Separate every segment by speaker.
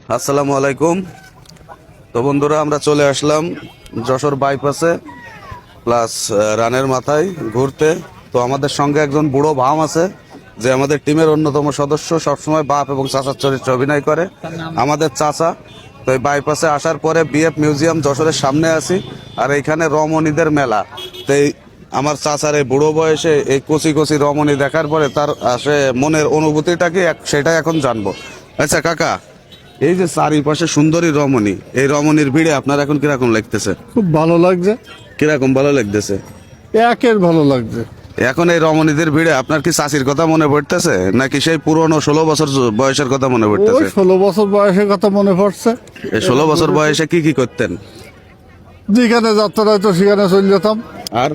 Speaker 1: আসসালামু আলাইকুম। তো বন্ধুরা, আমরা চলে আসলাম যশোর বাইপাসে প্লাস রানের মাথায় ঘুরতে। তো আমাদের সঙ্গে একজন বুড়ো ভাম আছে, যে আমাদের টিমের অন্যতম সদস্য, সবসময় বাপ এবং চাচার চরিত্রে অভিনয় করে, আমাদের চাচা। তো এই বাইপাসে আসার পরে বিএফ মিউজিয়াম যশোরের সামনে আছি, আর এইখানে রমণীদের মেলা। তো এই আমার চাচার এই বুড়ো বয়সে এই কচি কচি রমণী দেখার পরে তার আসে মনের অনুভূতিটা কি সেটাই এখন জানবো। আচ্ছা কাকা, এই যে চারিপাশে সুন্দরী রমণী, এই রমণীর ভিড়ে আপনার এখন কিরকম লাগতেছে?
Speaker 2: খুব ভালো লাগছে।
Speaker 1: কিরকম ভালো লাগতেছে?
Speaker 2: একের ভালো লাগছে।
Speaker 1: এখন এই রমণীদের ভিড়ে আপনার কি চাষির কথা মনে পড়তেছে, নাকি সেই পুরনো 16 বছর বয়সের কথা মনে
Speaker 2: ওই
Speaker 1: পড়তেছে?
Speaker 2: 16 বছর বয়সের কথা মনে পড়ছে।
Speaker 1: এই 16 বছর বয়সে কি কি করতেন?
Speaker 2: যেখানে যাত্রা হয়তো সেখানে চলে যেতাম,
Speaker 1: আর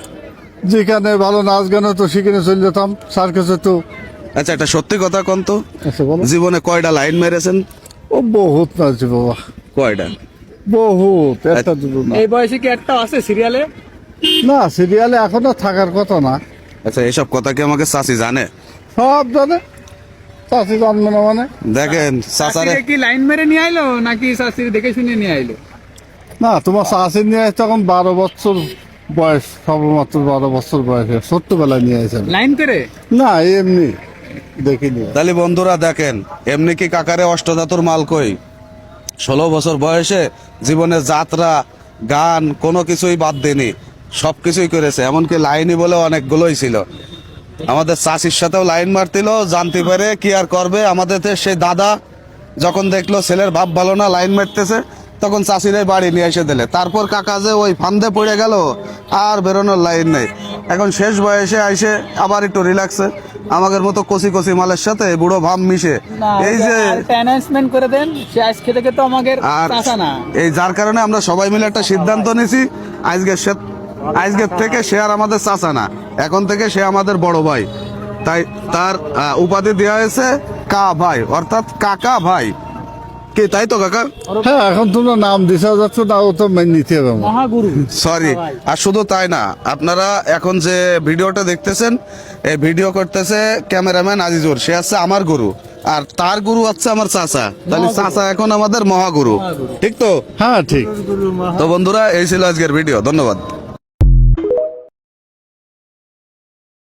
Speaker 2: যেখানে ভালো নাচ গান হতো সেখানে চলে যেতাম, সার্কাসে তো।
Speaker 1: আচ্ছা, একটা সত্যি কথা কোন তো,
Speaker 2: আচ্ছা বলো।
Speaker 1: জীবনে কয়টা লাইন মেরেছেন?
Speaker 2: ও বহুত নাচছে বাবা,
Speaker 1: কয়টা?
Speaker 2: বহুত। একটা দুটো না।
Speaker 3: এই বয়সে কি একটা আছে সিরিয়ালে?
Speaker 2: না, সিরিয়ালে এখনো থাকার কথা না।
Speaker 1: আচ্ছা, এসব কথা কি আমাকে চাষি জানে?
Speaker 2: সব জানে, চাষি জানবে না মানে?
Speaker 1: দেখেন চাচারে,
Speaker 3: শাশুড়ি কি লাইন মেরে নিয়ে আইলো নাকি শাশুড়ি দেখে শুনে নিয়ে আইলো?
Speaker 2: না, তোমার চাষি নিয়ে আসছে তখন 12 বছর বয়স, সবেমাত্র 12 বছর বয়সে, ছোট্টবেলায় নিয়ে আসে।
Speaker 3: লাইন করে?
Speaker 2: না, এমনি দেখিনি।
Speaker 1: তাহলে বন্ধুরা দেখেন, এমনি কি কাকারে অষ্টধাতুর মাল কই? 16 বছর বয়সে জীবনে যাত্রা গান কোনো কিছুই বাদ দেনি, সবকিছুই করেছে। এমনকি লাইনই বলে অনেকগুলোই ছিল। আমাদের চাষির সাথেও লাইন মারতিল, জানতে পারে কি আর করবে। আমাদের সেই দাদা যখন দেখলো ছেলের ভাব ভালো না, লাইন মারতেছে, তখন চাষিরাই বাড়ি নিয়ে এসে দিলে। তারপর কাকা যে ওই ফান্দে পড়ে গেল, আর বেরোনোর লাইন নেই। এখন শেষ বয়সে আইসে আবার একটু রিল্যাক্সে আমাদের মতো কচি কচি মালের সাথে বুড়ো ভাব মিশে এই যে
Speaker 3: অ্যানাউন্সমেন্ট করে দেন, সে আজ খেতে খেতে আমাদের
Speaker 1: আর
Speaker 3: চাচা না।
Speaker 1: এই যার কারণে আমরা সবাই মিলে একটা সিদ্ধান্ত নিয়েছি, আজকের থেকে সে আর আমাদের চাচা না, এখন থেকে সে আমাদের বড় ভাই। তাই তার উপাধি দেওয়া হয়েছে কা ভাই, অর্থাৎ কাকা ভাই। কি তাই তো কাকা?
Speaker 2: হ্যাঁ, এখন তোমরা নাম দিশা যাচ্ছ না, ও তো মেনে নিতে হবে আমার।
Speaker 3: মহাগুরু।
Speaker 1: সরি। আর শুধু তাই না, আপনারা এখন যে ভিডিওটা দেখতেছেন, এই ভিডিও করতেছে ক্যামেরাম্যান আজিজুর, সে হচ্ছে আমার গুরু, আর তার গুরু হচ্ছে আমার চাচা। তাহলে চাচা এখন আমাদের মহাগুরু, ঠিক তো?
Speaker 2: হ্যাঁ ঠিক।
Speaker 1: তো বন্ধুরা, এই ছিল আজকের ভিডিও। ধন্যবাদ।